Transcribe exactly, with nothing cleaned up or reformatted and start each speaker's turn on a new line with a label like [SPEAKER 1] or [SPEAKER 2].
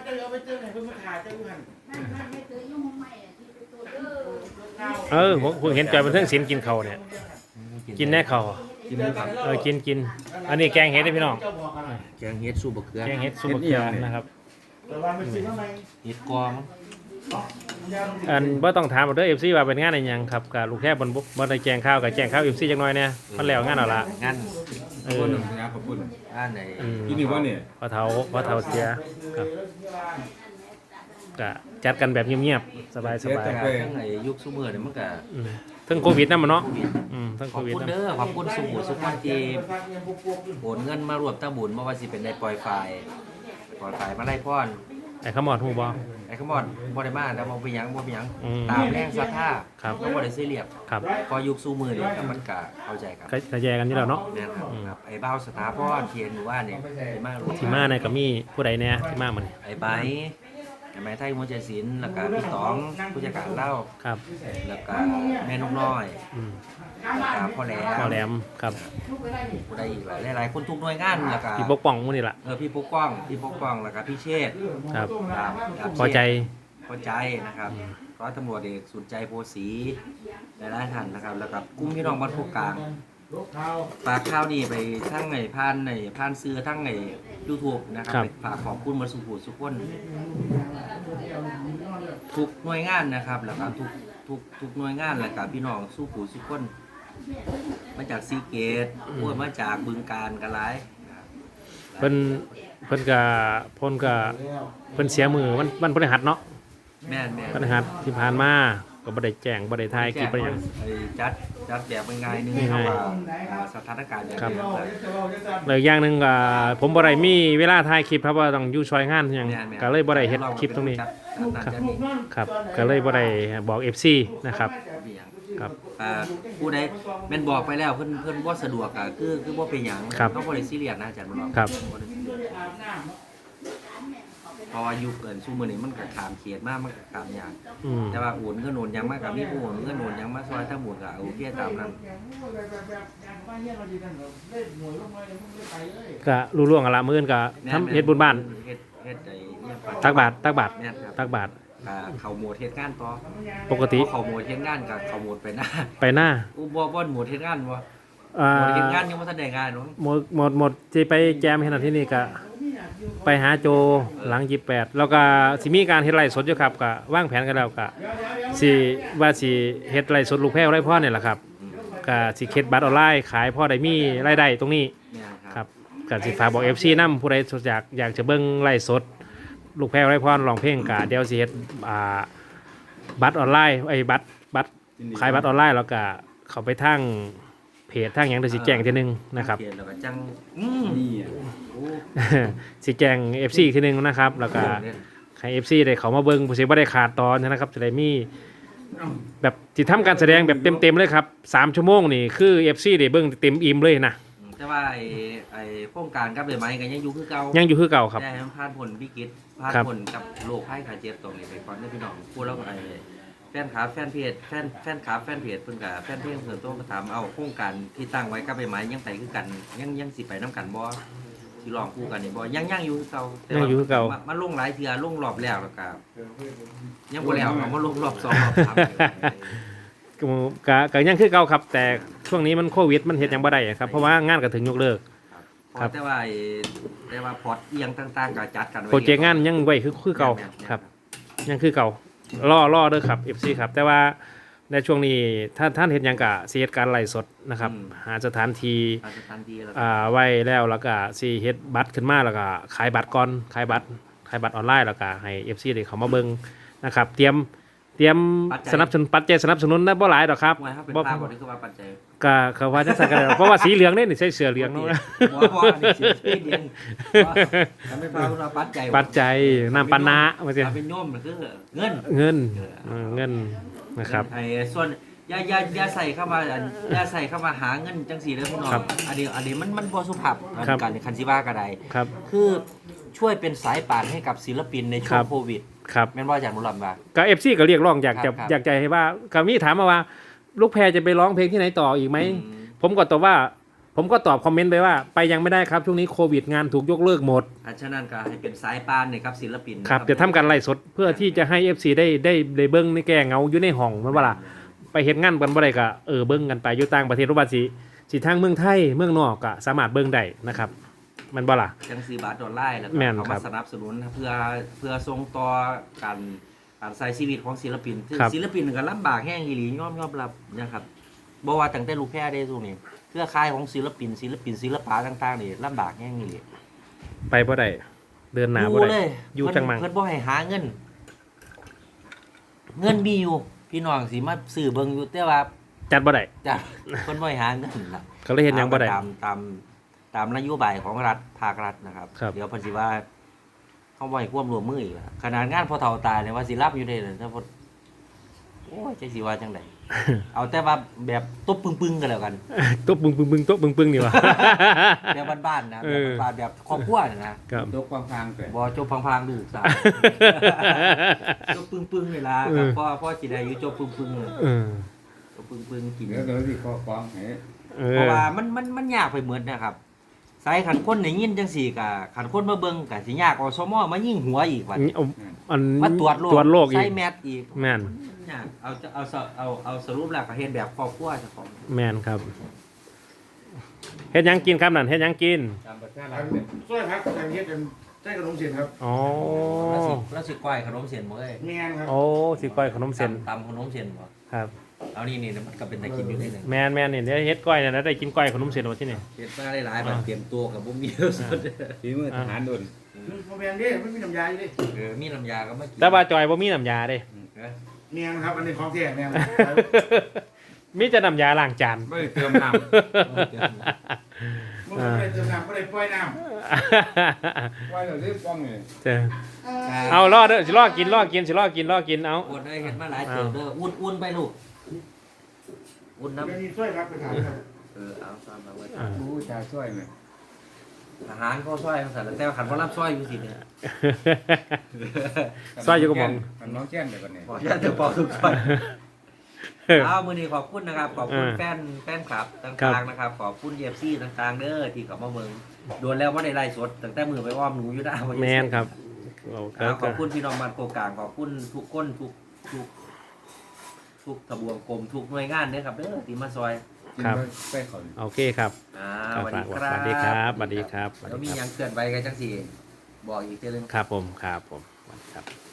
[SPEAKER 1] จะเอาไปเจอไหนเพิ่งมาถ่ายเจ้าอยู่หัน
[SPEAKER 2] เออผมเห็นจอยบันเทิงศิลป์กินเขาเนี่ยกินแน่เขา
[SPEAKER 3] กินหมูครับ
[SPEAKER 2] เออกินกินอันนี้แกงเห็ดได้พี่น้อง
[SPEAKER 3] แกงเฮ็ดสู้บะเขือ
[SPEAKER 2] แกงเห็ดซุปบะเขือนะครับ
[SPEAKER 3] เฮ็ดกอมั้ง
[SPEAKER 2] อันบ่ต้องถามเด้อ เอฟ ซี ว่าเป็นงานอะไรยังครับกับลูกแค่บนบุบ่ได้แจงข้าวกับแจงข้าว เอฟ ซี จักหน่อยเนี่ยมันแล้วงานเอาละ
[SPEAKER 3] งาน
[SPEAKER 2] เออ
[SPEAKER 4] ขอบคุณ
[SPEAKER 3] งานไหน
[SPEAKER 4] ที่นี่ว่าเนี่ย
[SPEAKER 2] พอเฒ่าพอเฒ่าเสียครับก็จัดกันแบบเงียบๆสบายๆ
[SPEAKER 3] ทั้งไอ้ยุคซุมื้อนี่มันก็
[SPEAKER 2] ทั้งโควิดนำเนาะอืมทั้ง
[SPEAKER 3] ข
[SPEAKER 2] โค
[SPEAKER 3] อบ
[SPEAKER 2] วิด
[SPEAKER 3] คุณ
[SPEAKER 2] นำ
[SPEAKER 3] เด้อขอบคุณสุขุสุขคนที่โอนเงินมารวมตั้งบุญบ่ว่าสิเป็นในปล่อยไฟปล่อยไฟมาไล่พร
[SPEAKER 2] ไอ้ขมอดฮู้บ่
[SPEAKER 3] ไอ้ขมอดบ่ได้มาแล้วบ่เป็นหยังบ่เป็นหยัง
[SPEAKER 2] อืม
[SPEAKER 3] ตามแรงศรัทธา
[SPEAKER 2] ครับ
[SPEAKER 3] ก็บ่ได้ซีเรียส
[SPEAKER 2] ครับ
[SPEAKER 3] พอยุคซุมื้อนี่ก็มันก็เข้าใจกัน
[SPEAKER 2] ก็ก็แยกกันอยู่แล้วเนาะ
[SPEAKER 3] แม่นครับครับไอ้บ้าวสถาพรเทียนหมู่บ้านเนี่ยไอ้มารวม
[SPEAKER 2] ที่มาเนี่ยก็มีผู้ใดแน่ที่มามื้อนี้
[SPEAKER 3] ไอ้ไบร์ทไอ้ไม้ไทยมวยใจศิลป์แล้วก็พี่ต๋องผู้จัดการเล่า
[SPEAKER 2] ครับ
[SPEAKER 3] แล้วก็แม่นกน้อย
[SPEAKER 2] อืม
[SPEAKER 3] แล้วก็พ่อแหลม
[SPEAKER 2] พ่อแหลมครับ
[SPEAKER 3] ผู้ใดอีกหลายหลายๆคนทุกหน่วยงานแล้วก็
[SPEAKER 2] พี่ปกป้องมื้อนี้ล่ะ
[SPEAKER 3] เออพี่ปกป้องพี่ปกป้องแล้วก็พี่เชษฐ์
[SPEAKER 2] ครับ
[SPEAKER 3] ดาบดาบ
[SPEAKER 2] พอใจ
[SPEAKER 3] พอใจนะครับร้อยตำรวจเอกสุนใจโพสีหลายๆท่านนะครับแล้วก็กลุ่มพี่น้องบ้านโคกกลางฝากข้าวนี่ไปทั้งไอ้ผ่านไอ้ผ่านซื้อทั้งไอ้ YouTube นะครับไปฝากขอบคุณมาสู่ผู้สุขคนทุกหน่วยงานนะครับแล้วก็ทุกทุกทุกหน่วยงานแล้วก็พี่น้องสู้ผู้สุขคนมาจากซีเกตพวกมาจากบึงการกันหลาย
[SPEAKER 2] เพิ่นเพิ่นก็เพิ่นก็เพิ่นเสียมือวันวันพฤหัสเนาะ
[SPEAKER 3] แม่นแม่น
[SPEAKER 2] พฤหัสที่ผ่านมาก็บ่ได้แจ้งบ่ได้ถ่ายคลิปบ่ได้หยัง
[SPEAKER 3] ไอ้จัดจัดแบบง่ายๆนึง
[SPEAKER 2] ง่ายๆ
[SPEAKER 3] เข้ามาสถานการณ์แบบ
[SPEAKER 2] ครับ
[SPEAKER 3] นี้ครับ
[SPEAKER 2] แล้วอีกอย่างหนึงก็ผมบ่ได้มีเวลาถ่ายคลิปครับว่าต้องอยู่ช่วยงานหยังก็เลยบ่ได้เฮ็ดคลิปตรงนี้
[SPEAKER 3] จัดจัดจัดนี่
[SPEAKER 2] ครับก็เลยบ่ได้บอก เอฟ ซี นะครับครับ
[SPEAKER 3] อ่าผู้ใดแม่นบอกไปแล้วเพิ่นเพิ่นบ่สะดวกอ่ะคือคือบ่เป็นหยัง
[SPEAKER 2] ครับ
[SPEAKER 3] เขาบ่ได้ซีเรียสนะอาจารย์บ่หรอก
[SPEAKER 2] ครับ
[SPEAKER 3] บ่ได้ซีเรียสเพราะว่ายุคเกินซุมื้อนี้มันก็ข้ามเขตมามันก็ข้ามยาก
[SPEAKER 2] อืม
[SPEAKER 3] แต่ว่าโอนเงินโอนหยังมาก็มีผู้โอนเงินโอนหยังมาซอยทั้งหมดก็โอเคตามนั้น
[SPEAKER 2] ก็รู้ล่วงกันละมื้ออื่นก็ทำเฮ็ดบุญบ้าน
[SPEAKER 3] เฮ็ดเฮ็ดไอ้เนี่ย
[SPEAKER 2] ตักบาตรตักบาตร
[SPEAKER 3] แม่นครับ
[SPEAKER 2] ตักบาตร
[SPEAKER 3] ก็เข้าโหมดเฮ็ดงานต่อ
[SPEAKER 2] ปกติ
[SPEAKER 3] พอเข้าโหมดเฮ็ดงานก็เข้าโหมดไปหน้า
[SPEAKER 2] ไปหน้า
[SPEAKER 3] อุบ่บ่โหมดเฮ็ดงานบ่
[SPEAKER 2] อ่า
[SPEAKER 3] โหมดเฮ็ดงานยังบ่ทันได้งานเนาะ
[SPEAKER 2] หมดหมดหมดที่ไปแจมเฮ็ดอันที่นี่ก็ไปหาโจหลังยี่สิบแปดแล้วก็สิมีการเฮ็ดไร่สดอยู่ครับก็วางแผนกันแล้วก็สิว่าสิเฮ็ดไร่สดลูกแพ้วไร่พ่อนี่แหละครับก็สิเฮ็ดบัตรออนไลน์ขายพ่อได้มีรายได้ตรงนี้
[SPEAKER 3] แม่น
[SPEAKER 2] ค
[SPEAKER 3] ค
[SPEAKER 2] รั
[SPEAKER 3] รั
[SPEAKER 2] บบ ก็สิฝากบอก เอฟ ซี นำผู้ใดอยากอยากจะเบิ่งไลฟ์สดลูกแพ้วไร่พ่อร้องเพลงก็เดี๋ยวสิเฮ็ดอ่าบัตรออนไลน์ไอ้บัตรบัตรขายบัตรออนไลน์แล้วก็เข้าไปทางเพจทางหยังเดี๋ยวสิแจ้งทีนึงนะครับ
[SPEAKER 3] เขียนแล้วก็จังอืม
[SPEAKER 4] นี่อ่ะ
[SPEAKER 3] โอ้
[SPEAKER 2] สิแจ้ง เอฟ ซี อีกทีนึงนะครับแล้วก็ให้ เอฟ ซี ได้เขามาเบิ่งผู้สิบ่ได้ขาดตอนนะครับจะได้มีแบบที่ทำการแสดงแบบเต็มๆเลยครับสามชั่วโมงนี่คือ เอฟ ซี ได้เบิ่งเต็มอิ่มเลยนะ
[SPEAKER 3] แต่ว่าไอ้ไอ้โครงการกับเลยไหมก็ยังอยู่คือเก่า
[SPEAKER 2] ยังอยู่คือเก่าครับ
[SPEAKER 3] ได้ให้มันผ่านผลวิกฤตผ่าน
[SPEAKER 2] ครับ
[SPEAKER 3] ผลกับโรคภัยไข้เจ็บตรงนี้ไปก่อนเด้อพี่น้องพูดแล้วก็ไอ้แฟนคลับแฟนเพจแฟนแฟนคลับแฟนเพจเพิ่นก็แฟนเพจเพิ่นโทรมาถามเอาโครงการที่ตั้งไว้กับไปไหมยังไปคือกันยังยังสิไปนํกันบ่สิร้องคู่กันนี่บ่ยังยังอยู่คือเก่าแต่
[SPEAKER 2] ยัง
[SPEAKER 3] ว่า
[SPEAKER 2] อยู่คือเก่า
[SPEAKER 3] มาลงหลายเทื่อลงรอบแล้วแล้วก็ยังบ่แล้วเอามาลงรอบสองรอบสาม
[SPEAKER 2] ก็ก็ก็ยังคือเก่าครับ แต่ช่วงนี้มันโควิดมันเฮ็ดหยังบ่ได้ครับเพราะว่างานก็ถึงยกเลิก
[SPEAKER 3] ครับ แต่ว่าไอ้แต่ว่าพอร์ตเอียงต่างๆก็จัดกันไว้
[SPEAKER 2] โปรเจกต์งานยังไว้คือคือเก่าครับยังคือเก่ารอรอเด้อครับ เอฟ ซี ครับแต่ว่าในช่วงนี้ท่านท่านเห็นหยังกะสิเฮ็ดการไลฟ์สดนะครับหาสถานที่
[SPEAKER 3] อาสถานที่แล้ว
[SPEAKER 2] อ่าไว้แล้วแล้วก็สิเฮ็ดบัตรขึ้นมาแล้วก็ขายบัตรก่อนขายบัตรขายบัตรออนไลน์แล้วก็ให้ เอฟ ซี ได้เข้ามาเบิ่งนะครับเตรียมเตรียมสนับสนุนปัจจัยสนับสนุนได้บ่หลายดอกครับ
[SPEAKER 3] ว่าครับเป็น
[SPEAKER 2] บ่
[SPEAKER 3] ภาพบ่ได้คือว่าปัจจัย
[SPEAKER 2] ก็เขาว่าจังซั่นก็ได้เพราะว่าสีเหลืองนี่นี่ใส่เสื้อเหลืองเนาะ
[SPEAKER 3] บ่บ่อันนี้สิเดียนทำให้ภาพว่าปัจจัย
[SPEAKER 2] ปัจจัยน้ำปานะว่าซี่
[SPEAKER 3] ถ้าเป็นโยมมันคือเงิน
[SPEAKER 2] เงินเออเงินนะครับ
[SPEAKER 3] ไอ้ส่วนอย่าอย่าอย่าใส่เข้ามาอันอย่าใส่เข้ามาหาเงินจังซี่เด้อพี่น้อง
[SPEAKER 2] ครับ
[SPEAKER 3] อันนี้อันนี้มันมันบ่สุภาพ
[SPEAKER 2] ครับ
[SPEAKER 3] การคันสิว่าก็ได้
[SPEAKER 2] ครับ
[SPEAKER 3] คือช่วยเป็นสายป่านให้กับศิลปินในช่ว
[SPEAKER 2] ครั
[SPEAKER 3] ง
[SPEAKER 2] บ
[SPEAKER 3] โควิด
[SPEAKER 2] ครับ
[SPEAKER 3] แม่นว่าอาจารย์บุญรอดว่า
[SPEAKER 2] ก็ เอฟ ซี ก็เรียกร้องอยากจะ
[SPEAKER 3] ครับ
[SPEAKER 2] อยากจะให้ว่าก็มีถามมาว่า ลูกแพรจะไปร้องเพลงที่ไหนต่ออีกไหม
[SPEAKER 3] อืม
[SPEAKER 2] ผมก็ตอบว่าผมก็ตอบคอมเมนต์ไปว่าไปยังไม่ได้ครับช่วงนี้โควิดงานถูกยกเลิกหมด
[SPEAKER 3] อันฉะนั้นก็ให้เป็นสายปานเนี่ยครับศิลปิน
[SPEAKER 2] ครับเดี๋ยวทำการไล่สดเพื่อที่จะให้ เอฟ ซี ได้ได้ได้เบิ้งในแก้เหงาอยู่ในห้องแมันว่าล่ะไปเฮ็ดงานกันบ่ได้ก็เออเบิ้งกันไปอยู่ต่างประเทศหรือว่าสิสิทางเมืองไทยเมืองนอกก็สามารถเบิ้งได้นะครับแมันบ่ล่ะ
[SPEAKER 3] จังซีบาทดอลลาร์แล้วก็
[SPEAKER 2] แม่น
[SPEAKER 3] เขา
[SPEAKER 2] ครั
[SPEAKER 3] มา
[SPEAKER 2] บ
[SPEAKER 3] สนับสนุนเพื่อเพื่อส่งต่อการการใช้ชีวิตของศิลปินซึ่ง
[SPEAKER 2] ครับ
[SPEAKER 3] ศิลปินก็ลำบากแห้งอีหลียอมยอมรับนะครับบ่ว่าตั้งแต่ลูกแพร่ได้ตรงนี้เครือข่ายของศิลปินศิลปินศิลปะต่างๆนี่ลำบากแห้งอีหลี
[SPEAKER 2] ไปบ่ได้เดินหน้าบ่
[SPEAKER 3] อยู่
[SPEAKER 2] ได้
[SPEAKER 3] เลย
[SPEAKER 2] อยู่จังมัง
[SPEAKER 3] เพิ่นบ่ให้หาเงิน เงินมีอยู่พี่น้องสิมาซื้อเบิ่งอยู่แต่ว่า
[SPEAKER 2] จัดบ่ได้
[SPEAKER 3] จ้ะเพิ่นบ่ให้หาเงินล่ะ
[SPEAKER 2] เขาเลยเฮ็ดหยังบ่ได้
[SPEAKER 3] ตามตามตามนโยบายของรัฐภาครัฐนะครับ
[SPEAKER 2] ครับ
[SPEAKER 3] เดี๋ยวเพิ่นสิว่าเขาบ่ให้ความร่วมมืออีกล่ะขนาดงานพอเฒ่าตายเนี่ยว่าสิรับอยู่ได้เลยถ้าพอโอ้ยจังสิว่าจังได เอาแต่ว่าแบบตบปึ้งๆกันแล้วกัน
[SPEAKER 2] โต๊ะปึ้งปึ้งปึ้งโต๊ะปึ้งปึ้งนี่วะ
[SPEAKER 3] แบบบ้านๆนะ
[SPEAKER 2] เอ
[SPEAKER 3] แบบ
[SPEAKER 2] อ
[SPEAKER 3] บ้านๆแบบครอบครัวน่ะนะครับ
[SPEAKER 1] ยกความพางเกิด
[SPEAKER 3] บ่จบพังๆดื้อสาวจบปึ้งๆนี่ล่ะ
[SPEAKER 2] เอ
[SPEAKER 3] ครับ
[SPEAKER 2] อ
[SPEAKER 3] พ่อพ่อสิได้อยู่จบปึ้งๆเลย
[SPEAKER 2] เออ
[SPEAKER 3] จบปึ้งๆกิน
[SPEAKER 1] เดี๋ยวเดี๋ยวที่ข้อความให้
[SPEAKER 2] เอ
[SPEAKER 3] เพ
[SPEAKER 2] อ
[SPEAKER 3] ราะว่ามันมันมันยากไปเหมือนนะครับสายขันคนได้ยินจังสี่กะขันคนมาเบิ่งกะสิยากอสมมายิ่งหัวอีกว่า
[SPEAKER 2] เอาอัน
[SPEAKER 3] มาตรวจโรค
[SPEAKER 2] ตรวจโรคอี
[SPEAKER 3] ใส่
[SPEAKER 2] ก
[SPEAKER 3] แมสอีก
[SPEAKER 2] แม่น
[SPEAKER 3] ยากเอาจะเอาเอาเอาเอาสรุปแล้วก็เฮ็ดแบบครอบครัวเจ้าของ
[SPEAKER 2] แม่นครับเฮ็ดหยังกินครับนั่นเฮ็ดหยังกิน
[SPEAKER 1] ตามประชารัฐเนี่ยช่วยพักทางเฮ็ดกันใช้ขนมเสียนครับ
[SPEAKER 2] อ๋อ
[SPEAKER 3] แล้วสิแล้วสิก้อยขนมเส้นบ่เอ้ย
[SPEAKER 1] แมนครับ
[SPEAKER 2] โอ้สิก้อยขนมเส้น
[SPEAKER 3] ตำตำขนมเส้นบ่
[SPEAKER 2] ครับ
[SPEAKER 3] เอานี่นี่มันก็เป็นตะกินอยู่ได้หนึง
[SPEAKER 2] แม่นแม่นนี่เดี๋ยวเฮ็ดก้อยเนี่ยนะได้กินก้อยขนมเส้นโอที่นี่
[SPEAKER 3] เฮ็ดมาได้หลายบัด
[SPEAKER 2] อ่า
[SPEAKER 3] เตรียมตัวกับบ่มีสุด
[SPEAKER 1] ฝีมือทหารโดนโมแมนเด้ไม่มีน้ำยาอยู่ดิ
[SPEAKER 3] เออมีน้ำยาก็มากิน
[SPEAKER 2] แต่ว่าจอยบ่มีน้ำยาเด้
[SPEAKER 3] เออ
[SPEAKER 1] แมนครับอันนี้ของแท้แมน
[SPEAKER 2] มีแต่น้ำยาล้างจาน
[SPEAKER 1] ไม่ได้เติมน้ำไม่ได้เติมน้ำไม่ได้ปล่อยน้ำปล่อยเราได้ป้องเลย
[SPEAKER 2] เจ้าเอารอเด้อสิรอกินรอกินสิรอกินรอกินเอา
[SPEAKER 3] อุ่นเอ้ยเฮ็ดมาหลายเติมเด้ออุ่นๆไปลูกอุ่นน้ำ
[SPEAKER 1] เดี๋ยวนี้ช่วยพักไปถามครับ
[SPEAKER 3] เออเอาตามมาไว้
[SPEAKER 2] อ่า
[SPEAKER 1] รู้จะช่วยไหม
[SPEAKER 3] อาหารก็ซอยจังซั่นแหละแต่ว่าขันบ่รับซอยอยู่สิเนี่ย
[SPEAKER 2] ซอยอยู่กับหม่อง
[SPEAKER 1] มันน้องแจ้งเดี๋ยวก่อนเนี่ย
[SPEAKER 3] บอกอย่าเดี๋ยวบอกทุกคนเอามื้อนี้ขอบคุณนะครับ ขอบคุณ
[SPEAKER 2] อ่า
[SPEAKER 3] แฟนแฟนคลับ
[SPEAKER 2] ครั
[SPEAKER 3] ต่าง
[SPEAKER 2] บ
[SPEAKER 3] ๆนะครับ ขอบคุณ เอฟ ซี ต่างๆเด้อที่เข้ามาเบิ่งโดนแล้วบ่ได้ไลฟ์สดตั้งแต่มือไปอ้อมหนูอยู่ด้า
[SPEAKER 2] แมนครับเอา
[SPEAKER 3] เอาข
[SPEAKER 2] ก็
[SPEAKER 3] อบคุณพี่น้องบ้านโกกลางขอบคุณทุกคนทุกทุกทุกทบวงกรมทุกหน่วยงานเด้อครับเด้อที่มาซอย
[SPEAKER 1] กินไปขอน
[SPEAKER 2] โอเคครับ
[SPEAKER 3] อ่า
[SPEAKER 2] ครับ
[SPEAKER 3] สวัสดีค
[SPEAKER 2] ส
[SPEAKER 3] รั
[SPEAKER 2] วั
[SPEAKER 3] บ
[SPEAKER 2] สดีครับสวัสดีครับสวัส
[SPEAKER 3] แล้ว
[SPEAKER 2] ดี
[SPEAKER 3] มี
[SPEAKER 2] ค
[SPEAKER 3] หยั
[SPEAKER 2] รับ
[SPEAKER 3] งเคลื่อนไหวกันจังสี่บอกอีกเทื่อนึง
[SPEAKER 2] ครับผมครับผมสวัสดีครับ